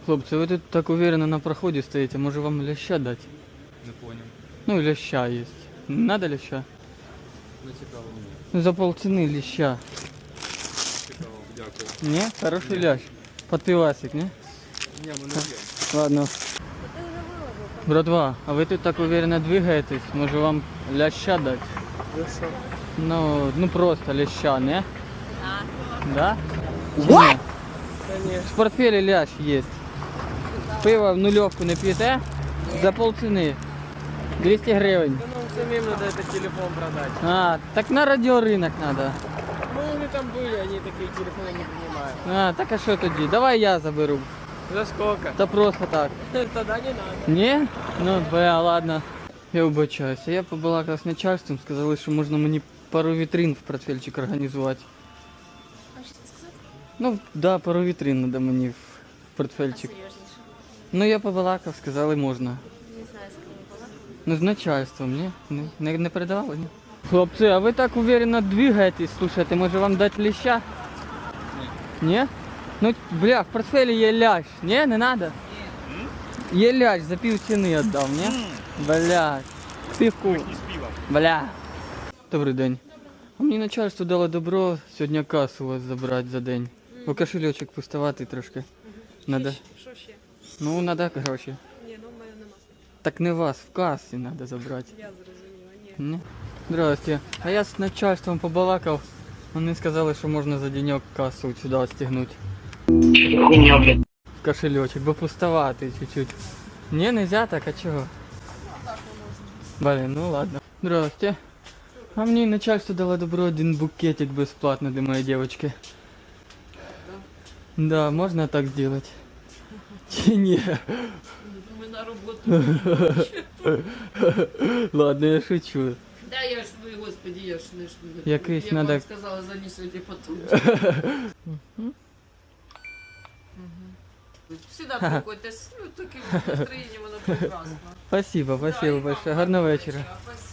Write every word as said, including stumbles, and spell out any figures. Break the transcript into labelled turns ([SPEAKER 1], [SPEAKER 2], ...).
[SPEAKER 1] Хлопці, ви тут так уверенно на проході стоїте, може вам ляща дати?
[SPEAKER 2] Не понял.
[SPEAKER 1] Ну, ляща є. Надо ляща?
[SPEAKER 2] Не цікаво мені.
[SPEAKER 1] Ну, за полціни ляща.
[SPEAKER 2] Цікаво, дякую.
[SPEAKER 1] Ні? Хороший лящ. Подпивасик, ні?
[SPEAKER 2] Ні, ми не п'ємо.
[SPEAKER 1] Ладно. Братва, а ви тут так уверенно двигаєтесь, може вам ляща дати?
[SPEAKER 2] Хорошо.
[SPEAKER 1] Ну, ну просто ляща, не?
[SPEAKER 3] Да.
[SPEAKER 1] Да?
[SPEAKER 3] What?
[SPEAKER 1] В портфелі лящ є. Пиво в нульовку не п'єте? За полціни. двісті гривень.
[SPEAKER 2] Да нам самим надо этот телефон продать.
[SPEAKER 1] А, так на радіоринок треба.
[SPEAKER 2] Ну, они там были, они такие телефоны не принимают.
[SPEAKER 1] А, так а що тоді? Давай я заберу.
[SPEAKER 2] За сколько?
[SPEAKER 1] Та просто так.
[SPEAKER 2] Тогда не надо.
[SPEAKER 1] Ні? Ну, бля, ладно. Я вибачаюся. Я побалакав з начальством, сказали, що можна мені пару вітрин в портфельчик організувати.
[SPEAKER 3] А що ти сказав?
[SPEAKER 1] Ну, да, пару вітрин треба мені в портфельчик.
[SPEAKER 3] Серйозніше.
[SPEAKER 1] Ну, я побалакав, сказали, можна.
[SPEAKER 3] Не знаю, з ким була.
[SPEAKER 1] Ну, з начальством, ні? Не, не, не передавали, ні? Хлопці, а ви так уверенно двигаєтесь, слушайте, може вам дати ліща? Ні. Ні? Ну, бля, в портфелі є лящ. Ні, не надо? Є лящ, за пів ціни віддав, ні? Бля, півку. Бля. Добрий день. А мені начальство дало добро сьогодні касу у вас забрати за день. Бо кошельочок пустуватий трошки. Надо.
[SPEAKER 4] Що ще?
[SPEAKER 1] Ну, надо гроші.
[SPEAKER 4] Ні, ну в мене нема.
[SPEAKER 1] Так не вас, в касі треба забрати.
[SPEAKER 4] Я зрозуміла, ні.
[SPEAKER 1] Ні? Здрасте. А я з начальством побалакав. Вони сказали, що можна за денек касу сюди отстегнути. В кошельочок, бо пустоватий чуть-чуть. Ні, нельзя так, а чого? Блин, ну ладно. Здрасте. А мені начальство дало добро один букетик безплатно для моей девочки. Да, можно так сделать? Чи ні?
[SPEAKER 4] Ми на роботу.
[SPEAKER 1] Ладно, я шучу.
[SPEAKER 4] Да, я ж ви, господи, я ж не ж.
[SPEAKER 1] Якийсь
[SPEAKER 4] я
[SPEAKER 1] надо-
[SPEAKER 4] вам сказала, занесете потом. Сюда приходьте, с ну, таким настроєнням, воно прекрасно.
[SPEAKER 1] Спасибо, спасибо большое. Гарного вечора.
[SPEAKER 4] Спасибо.